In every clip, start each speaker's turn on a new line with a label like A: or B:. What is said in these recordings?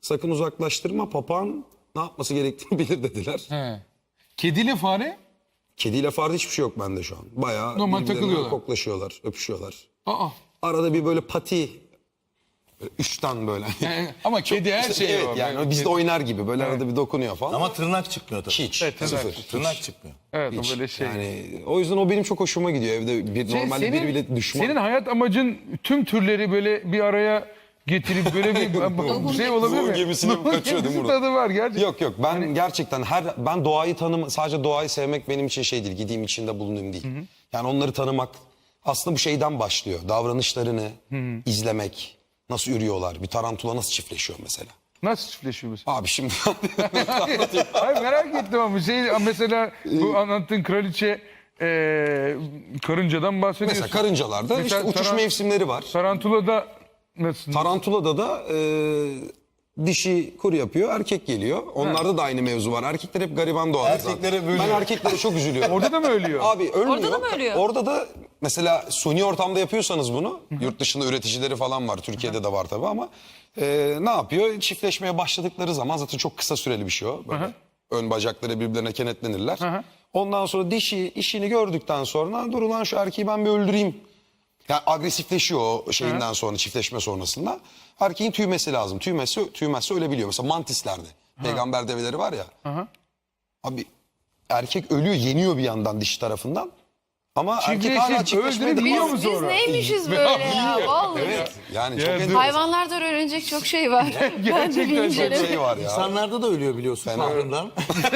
A: sakın uzaklaştırma, papağan ne yapması gerektiğini bilir dediler.
B: He. Kediyle fare?
A: Kediyle fare hiçbir şey yok bende şu an. Bayağı
B: Normal
A: birbirlerine
B: takılıyorlar.
A: koklaşıyorlar, öpüşüyorlar.
B: Aa.
A: Arada bir böyle pati, böyle üçten böyle.
B: Ama kedi her
A: İşte
B: şey
A: evet,
B: var.
A: yani bizde oynar gibi böyle arada bir dokunuyor falan.
C: Ama tırnak çıkmıyor tabii.
A: Hiç,
B: Evet, tırnak
A: sıfır.
B: çıkıyor.
C: Tırnak çıkmıyor.
B: Evet
A: Hiç.
B: o böyle şey.
A: Yani o yüzden o benim çok hoşuma gidiyor evde. Normalde biri bile düşman.
B: Senin hayat amacın tüm türleri böyle bir araya getirip böyle bir şey olabilir mi?
A: Nuh gemisine mi kaçıyor değil mi
B: gemisi
A: Murat?
B: tadı var gerçekten.
A: Yok ben gerçekten ben doğayı sadece doğayı sevmek benim için şey değil. Gideyim içinde bulunayım değil. Yani onları tanımak aslında bu şeyden başlıyor. Davranışlarını izlemek. Nasıl yürüyorlar? Bir tarantula nasıl çiftleşiyor mesela?
B: Nasıl çiftleşiyor mesela?
A: Abi şimdi
B: Hayır merak ettim ama mesela bu anlattığın kraliçe karıncadan bahsediyorsun.
A: mesela karıncalarda
B: Mesela
A: işte uçuş mevsimleri var.
B: Tarantula'da nasıl?
A: Tarantula'da da dişi kuru yapıyor, erkek geliyor. Onlarda da aynı mevzu var. Erkekler hep gariban doğar
C: Erkeklere
A: zaten.
C: böyle.
A: Ben erkeklere çok üzülüyorum.
B: Orada da mı ölüyor?
A: Abi ölmüyor.
D: Orada da mı ölüyor?
A: Orada da mesela suni ortamda yapıyorsanız bunu, yurt dışında üreticileri falan var, Türkiye'de de var tabii ama ne yapıyor? Çiftleşmeye başladıkları zaman zaten çok kısa süreli bir şey o. Böyle ön bacakları birbirlerine kenetlenirler. Ondan sonra dişi işini gördükten sonra dur ulan şu erkeği ben bir öldüreyim. Yani agresifleşiyor o şeyinden sonra, çiftleşme sonrasında. Erkeğin tüymesi lazım. Tüymezse ölebiliyor. Mesela mantislerde. Peygamber develeri var ya. Abi erkek ölüyor, yeniyor bir yandan dişi tarafından. Ama erkek hala çiftleşmeye
B: öldürüp yiyor
A: devam
B: mu
D: Biz
B: sonra?
D: neymişiz böyle ya vallahi.
A: Evet. Yani çok
B: Ya,
A: enteresan
D: Hayvanlardan öğrenecek çok şey var. Ben de
B: Gerçekten
D: bir
B: çok
D: inceledim.
A: şey var ya.
C: İnsanlarda da ölüyor biliyorsun fahrından.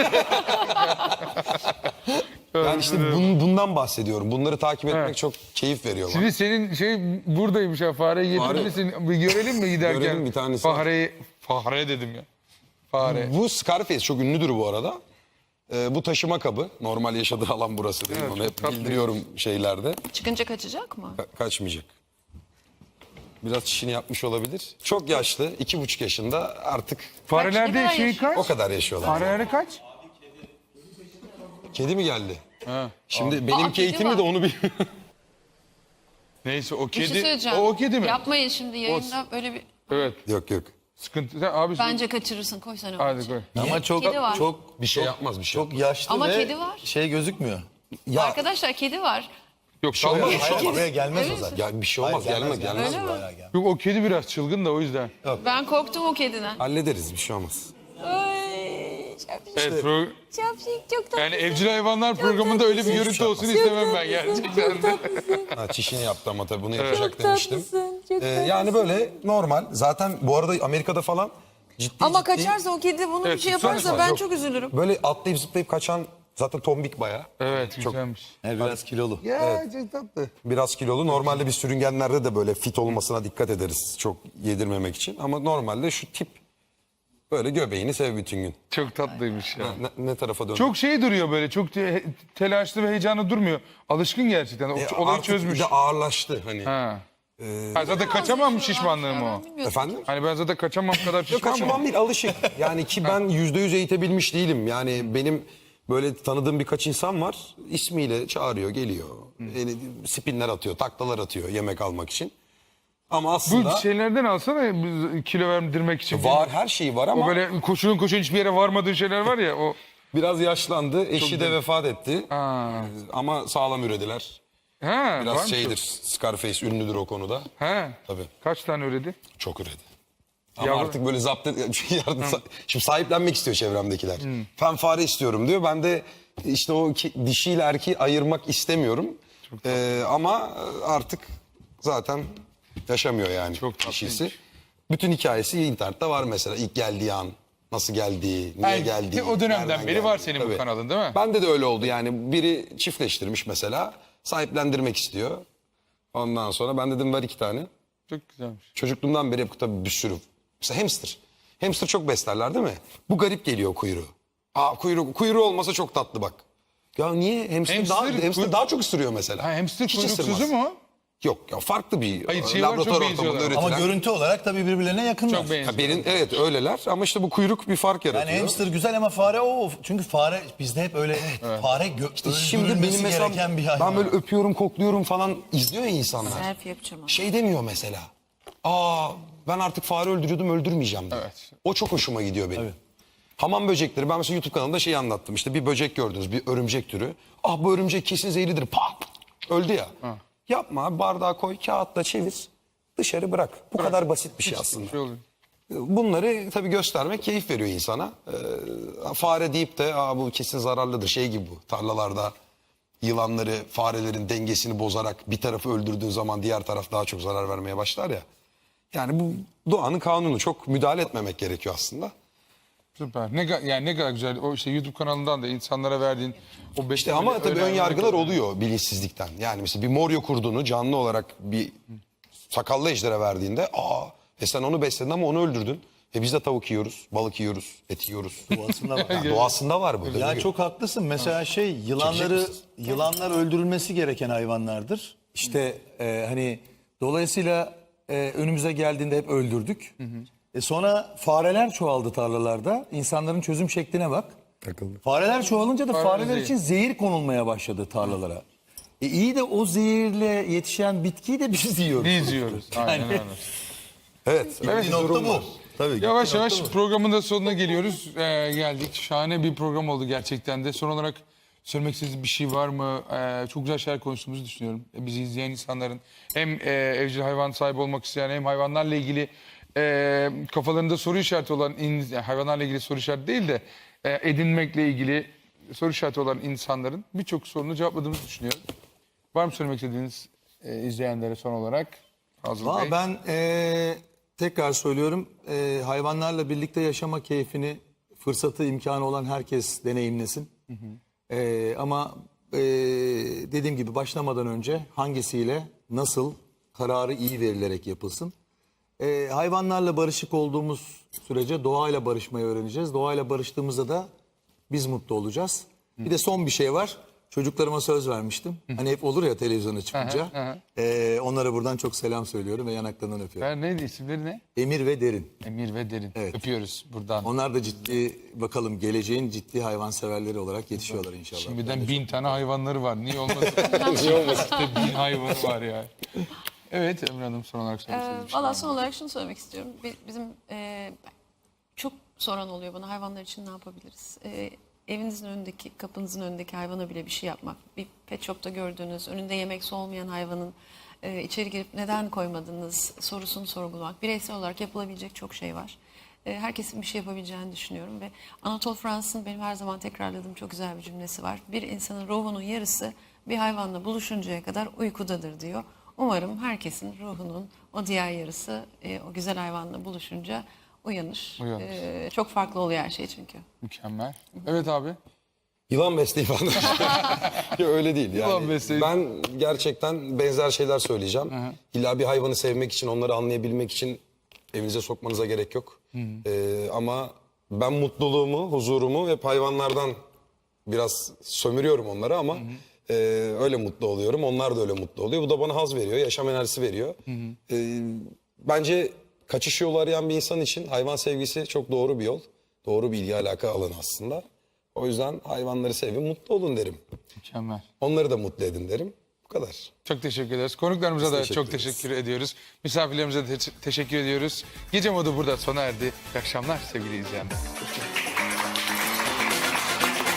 A: Yani işte bundan bahsediyorum. Bunları takip etmek çok keyif veriyor bana.
B: Şimdi senin şey buradaymış ya fareyi getirirsin. Bir görelim mi giderken?
A: Görelim bir tanesi.
B: Fare dedim ya. Fare.
A: Bu Scarface çok ünlüdür bu arada. Bu taşıma kabı. Normal yaşadığı alan burası değil mi?
B: Evet,
A: Onu hep
B: çok tatlı.
A: bildiriyorum şeylerde.
D: Çıkınca kaçacak mı?
A: Kaçmayacak. Biraz çişini yapmış olabilir. Çok yaşlı, 2,5 yaşında artık
D: Ne
B: Farelerde
D: kadar
B: şey
D: yaşıyor?
B: kaç?
A: o kadar yaşıyorlar.
B: Farelerde kaç?
A: Kedi mi geldi?
B: Ha.
A: Şimdi benim
D: kedi
A: eğitimli
D: var.
A: de onu bir...
B: Neyse o
D: Bir şey
B: kedi.
D: söyleyeceğim.
B: O kedi mi?
D: Yapmayın şimdi yayında böyle bir...
B: Evet.
A: Yok yok.
B: Sıkıntı. Sen abi
D: Bence kaçırırsın koy sen onu.
B: hadi koy.
C: Ama çok
D: Kedi var.
C: çok
A: Bir şey yapmaz bir şey.
C: çok yaşlı
D: Ama
C: ve
D: kedi var.
C: şey gözükmüyor.
A: Ya,
D: Arkadaşlar kedi var.
B: Yok salma.
C: Hayır, oraya gelmez o zaten.
A: ya bir şey olmaz, gelmez.
D: Öyle mi?
C: Bayağı gelmez.
B: Yok o kedi biraz çılgın da o yüzden.
D: Ben korktum o kediden.
A: Hallederiz, bir şey olmaz.
D: Ay, şapşik,
B: Evet.
D: şapşik, çok tatlı.
B: Yani evcil hayvanlar programında öyle bir görüntü olsun istemem ben gerçekten de.
A: Ha, çişini yaptı ama tabii bunu yapacak demiştim. Yani böyle normal. Zaten bu arada Amerika'da falan ciddi
D: Ama
A: ciddi
D: kaçarsa o kedi bunu
B: Evet,
D: bir şey
B: tutsana
D: yaparsa
A: var.
D: ben
A: Yok.
D: çok üzülürüm.
A: böyle atlayıp zıplayıp kaçan zaten tombik bayağı.
B: Evet güzelmiş.
C: Biraz kilolu.
B: Ya çok tatlı.
A: Biraz kilolu. Normalde biz sürüngenlerde de böyle fit olmasına dikkat ederiz. Çok yedirmemek için. Ama normalde şu tip böyle göbeğini sev bütün gün.
B: Çok tatlıymış ya.
A: Ne tarafa dön?
B: Çok şey duruyor böyle. Çok telaşlı ve heyecanlı durmuyor. Alışkın gerçekten. Olayı
A: artık
B: çözmüş.
A: bir de ağırlaştı hani.
B: Ha. Ha, zaten kaçamam şişmanlığım o.
A: Efendim?
B: Hani ben zaten kaçamam kadar
A: Yok
B: şişman
A: kaçamam
B: mı?
A: değil, alışık. Yani ki ben %100 eğitebilmiş değilim. Yani benim böyle tanıdığım birkaç insan var. İsmiyle çağırıyor, geliyor. Yani spinler atıyor, taklalar atıyor yemek almak için. Ama
B: Bu
A: aslında
B: şeylerden alsana kilo verdirmek için.
A: var, her şeyi var
B: O
A: ama
B: böyle koşun hiçbir yere varmadığın şeyler var ya o.
A: biraz yaşlandı. Eşi de vefat etti.
B: Ha.
A: Ama sağlam ürediler.
B: Ha,
A: Biraz
B: varmış
A: şeydir, Scarface ünlüdür o konuda.
B: o. Ha.
A: Tabii.
B: Kaç tane üredi?
A: Çok üredi. Ama
B: Yavru-
A: artık böyle şimdi sahiplenmek istiyor çevremdekiler. Ben fare istiyorum diyor. Ben de işte o dişiyle erkeği ayırmak istemiyorum. Ama artık zaten yaşamıyor yani
B: Çok tatlıymış.
A: dişisi. Bütün hikayesi internette var mesela. İlk geldiği an, nasıl geldiği, niye
B: Yani
A: geldiği.
B: o dönemden
A: nereden
B: beri var
A: geldiği.
B: senin bu
A: Tabii.
B: kanalın değil mi?
A: Bende de öyle oldu yani. Biri çiftleştirmiş mesela. Sahiplendirmek istiyor. Ondan sonra ben dedim ver 2 tane.
B: Çok güzelmiş.
A: Çocukluğumdan beri hep tabii bir sürü. Mesela hamster. Hamster çok beslerler değil mi? Bu garip geliyor kuyruğu. Kuyruğu olmasa çok tatlı bak. Ya niye? Hamster daha çok ısırıyor mesela.
B: Ha, hamster
A: Hiç
B: kuyruksuzu
A: ısırmaz.
B: mu?
A: Yok ya farklı bir
B: Hayır, şey var, çok
A: laboratuvar ortamında
B: benziyorlar.
A: üretilen.
C: Ama görüntü olarak tabii birbirlerine yakınlar.
B: Çok benziyor.
A: Evet öyleler ama işte bu kuyruk bir fark yaratıyor.
C: Yani hamster güzel ama fare o. Çünkü fare bizde hep öyle fare
A: Şimdi benim
C: öldürülmesi
A: mesela
C: gereken bir hayvan.
A: ben böyle öpüyorum kokluyorum falan izliyor ya insanlar.
D: Selfie yapacağım.
A: Şey demiyor mesela. Ben artık fare öldürüyordum, öldürmeyeceğim diye.
B: Evet.
A: O çok hoşuma gidiyor benim. Hamam böcekleri, ben mesela YouTube kanalında şeyi anlattım. İşte bir böcek gördünüz, bir örümcek türü. Ah, bu örümcek kesin zehirlidir. Pat! Öldü ya. Yapma abi, bardağa koy, kağıtla çevir. Dışarı bırak. Bu kadar basit bir şey aslında.
B: Şey oluyor.
A: Bunları tabii göstermek keyif veriyor insana. Fare deyip de bu kesin zararlıdır. Şey gibi bu, tarlalarda yılanları, farelerin dengesini bozarak bir tarafı öldürdüğün zaman diğer taraf daha çok zarar vermeye başlar ya. Yani bu doğanın kanunu, çok müdahale etmemek gerekiyor aslında.
B: Süper. Yani ne kadar güzel. O işte YouTube kanalından da insanlara verdiğin o
A: İşte ama tabii ön yargılar oluyor bilinçsizlikten. Yani mesela bir moryo kurdunu canlı olarak bir sakallı ejdere verdiğinde sen onu besledin ama onu öldürdün. Biz de tavuk yiyoruz, balık yiyoruz, et yiyoruz.
C: Doğasında var.
A: Yani doğasında var bu.
C: Ya çok haklısın. Mesela yılanlar öldürülmesi gereken hayvanlardır. İşte hani dolayısıyla önümüze geldiğinde hep öldürdük. Sonra fareler çoğaldı tarlalarda. İnsanların çözüm şekline bak. Fareler çoğalınca da fareler için zehir konulmaya başladı tarlalara. İyi de o zehirle yetişen bitkiyi de biz yiyoruz.
B: Biz yiyoruz. Aynen öyle.
A: Evet.
C: Bir nokta bu. Tabii.
B: Yavaş yavaş programın da sonuna geliyoruz. Geldik. Şahane bir program oldu gerçekten de. Son olarak söylemek istediğiniz bir şey var mı? Çok güzel şeyler konuştuğumuzu düşünüyorum. Bizi izleyen insanların hem evcil hayvan sahibi olmak isteyen hem hayvanlarla ilgili kafalarında soru işareti olan, yani hayvanlarla ilgili soru işareti değil de edinmekle ilgili soru işareti olan insanların birçok sorunu cevapladığımızı düşünüyorum. Var mı söylemek istediğiniz izleyenlere son olarak? Fazıl Bey.
C: Ben tekrar söylüyorum, hayvanlarla birlikte yaşama keyfini, fırsatı, imkanı olan herkes deneyimlesin. Ama dediğim gibi başlamadan önce hangisiyle, nasıl kararı iyi verilerek yapılsın. Hayvanlarla barışık olduğumuz sürece doğayla barışmayı öğreneceğiz. Doğayla barıştığımızda da biz mutlu olacağız. Bir de son bir şey var. Çocuklarıma söz vermiştim. Hani hep olur ya televizyona çıkınca. Onlara buradan çok selam söylüyorum ve yanaklarından öpüyorum.
B: Neydi, isimleri ne?
C: Emir ve Derin.
B: Emir ve Derin.
C: Evet.
B: Öpüyoruz buradan.
C: Onlar da ciddi, bakalım geleceğin ciddi hayvanseverleri olarak yetişiyorlar inşallah.
B: Şimdiden 1000 tane hayvanları var. Niye olmasın? Niye olmasın? İşte 1000 hayvanı var ya. Evet Emre Hanım, son olarak söylemek istediğim bir şey var
D: Valla
B: mı?
D: son olarak şunu söylemek istiyorum. Bizim çok soran oluyor bana, hayvanlar için ne yapabiliriz? Evinizin önündeki, kapınızın önündeki hayvana bile bir şey yapmak. Bir pet shop'ta gördüğünüz, önünde yemek su olmayan hayvanın içeri girip neden koymadınız sorusunu sorgulamak. Bireysel olarak yapılabilecek çok şey var. Herkesin bir şey yapabileceğini düşünüyorum ve Anatole France'ın benim her zaman tekrarladığım çok güzel bir cümlesi var. Bir insanın ruhunun yarısı bir hayvanla buluşuncaya kadar uykudadır diyor. Umarım herkesin ruhunun o diğer yarısı o güzel hayvanla buluşunca uyanır. Çok farklı oluyor her şey çünkü.
B: Mükemmel. Evet abi.
A: Yılan besleyi falan. Ya öyle değil yani.
B: Yılan besleyi.
A: Ben gerçekten benzer şeyler söyleyeceğim. İlla bir hayvanı sevmek için, onları anlayabilmek için evinize sokmanıza gerek yok. Ama ben mutluluğumu, huzurumu hep hayvanlardan biraz sömürüyorum onları ama öyle mutlu oluyorum. Onlar da öyle mutlu oluyor. Bu da bana haz veriyor, yaşam enerjisi veriyor. Bence kaçış yolu arayan bir insan için hayvan sevgisi çok doğru bir yol. Doğru bir ilgi alaka alanı aslında. O yüzden hayvanları sevin, mutlu olun derim.
B: Mükemmel.
A: Onları da mutlu edin derim. Bu kadar.
B: Çok teşekkür ederiz. Konuklarımıza da
A: teşekkür
B: çok
A: ederiz.
B: teşekkür ediyoruz. Misafirlerimize de teşekkür ediyoruz. Gece modu burada sona erdi. İyi akşamlar sevgili izleyenler.